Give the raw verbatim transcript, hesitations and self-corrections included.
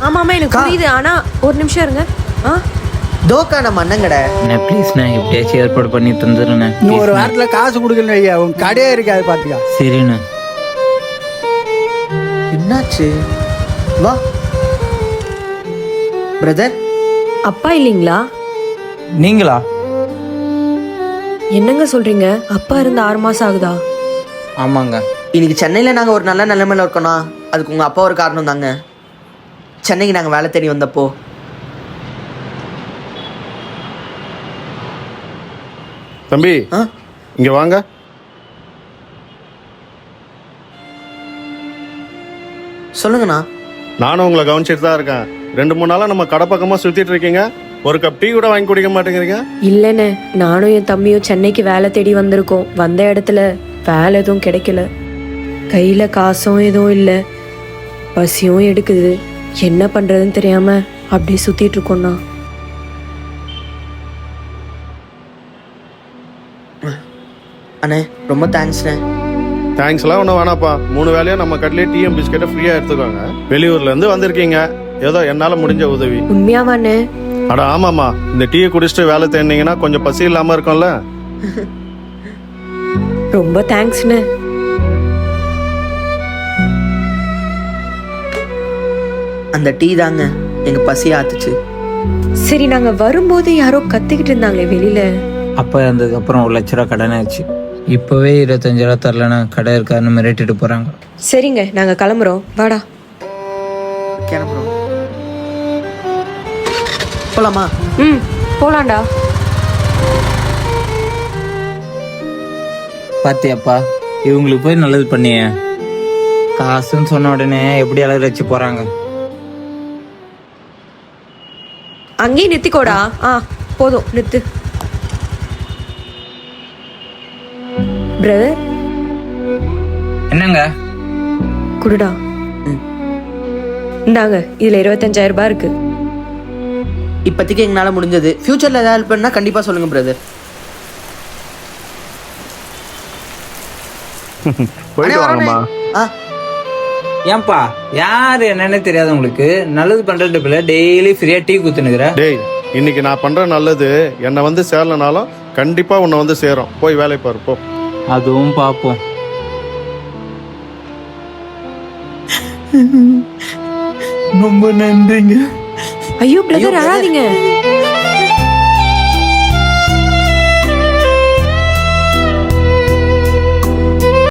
ஆமா ஆமா எனக்கு புரியுது. ஆனா ஒரு நிமிஷம் இருங்க. ஆ தோக்கா நம்ம அண்ணங்கடை. நான் ப்ளீஸ்ண்ணே எப்படியாச்சும் ஏற்பாடு பண்ணி தந்துடுண்ணே. இன்னும் ஒரு வாரத்தில் காசு கொடுக்கணும் ஐயா, உன் கடையே இருக்காது பார்த்துக்கா. சரிண்ணே. என்னாச்சு? வா பிரதர். அப்பா இல்லைங்களா? நீங்களா? என்னங்க சொல்றீங்க? அப்பா இருந்து ஆறு மாசம் ஆகுதா? ஆமாங்க. இன்னைக்கு சென்னையில் நாங்கள் ஒரு நல்ல நிலைமையில இருக்கோம்னா அதுக்கு உங்கள் அப்பா ஒரு காரணம் தாங்க. சென்னைக்கு நாங்கள் வேலை தேடி வந்தப்போ தம்பி ஆ இங்க வாங்க. சொல்லுங்கண்ணா. நானும் உங்களை கவனிச்சிட்டு தான் இருக்கேன். ரெண்டு மூணு நாளா நம்ம கடை பக்கமா சுத்திட்டு இருக்கீங்க. ஒரு கப் டீ கூட வாங்கி குடிக்க மாட்டேங்கிறீங்க. இல்லைண்ணே, நானும் என் தம்பியும் சென்னைக்கு வேலை தேடி வந்திருக்கோம். வந்த இடத்துல வேலை எதுவும் கிடைக்கல. கையில காசும் எதுவும் இல்லை, பசியும் எடுக்குது. என்ன பண்றதுன்னு தெரியாம அப்படியே சுத்திட்டு இருக்கோம்ண்ணா. அண்ணே ரொம்ப தேங்க்ஸ்ண்ணே. தேங்க்ஸ் எல்லாம் ஒன்றும் வேணாப்பா. மூணு வேலையா நம்ம கடையிலே டீயும் பிஸ்கெட்டை ஃப்ரீயா எடுத்துக்கோங்க. வெளியூர்ல இருந்து வந்திருக்கீங்க, ஏதோ என்னால முடிஞ்ச உதவி. உண்மையாவாண்ணே? அட ஆமாம்மா, இந்த டீயை குடிச்சிட்டு வேலை தேடினீங்கன்னா கொஞ்சம் பசி இல்லாம இருக்கும்ல. ரொம்ப தேங்க்ஸ்ண்ணே. அந்த டீ தாங்க எங்க பசி ஆத்துச்சு. சரி, நாங்க வரும்போது யாரோ கத்திக்கிட்டு இருந்தாங்களே வெளியில. அப்பா இருந்ததுக்கு அப்புறம் ஒரு லட்ச ரூபா கடன் ஆச்சு. இப்போவே இருபத்தஞ்சு ரூபா தரலன்னா கடை இருக்காருன்னு மிரட்டிட்டு போகிறாங்க. சரிங்க, நாங்க கிளம்புறோம். வாடா கிளம்புறோம். போலாமா? ம் போலாண்டா. பாத்தியாப்பா, இவங்களுக்கு போய் நல்லது பண்ணிய. காசுன்னு சொன்ன உடனே எப்படி அழகு வச்சு போகிறாங்க. அங்கேயே நிறுத்திக்கோடா. ஆ போதும், நிறுத்து. பிரதர் என்னங்க? குடுடா. இந்தாங்க, இதுல இருபத்தஞ்சாயிரம் ரூபாய் இருக்கு. இப்போதைக்கு எங்களால் முடிஞ்சது. ஃபியூச்சரில் ஏதாவது ஹெல்ப் பண்ணால் கண்டிப்பாக சொல்லுங்கள் பிரதர். போயிட்டு வாங்கம்மா. ஆ ஏன்பா, யாரு என்னன்னு தெரியாது உங்களுக்கு? நல்லது பண்றது பிள்ளை டெய்லி ஃப்ரீயா டீ குத்துனுக்குற. டேய், இன்னைக்கு நான் பண்ற நல்லது என்னை வந்து சேரலனாலும் கண்டிப்பா உன்னை வந்து சேரும். போய் வேலை பாரு போ. அதுவும் பார்ப்போம். ரொம்ப நன்றிங்க. ஐயோ பிரதர், அழாதீங்க.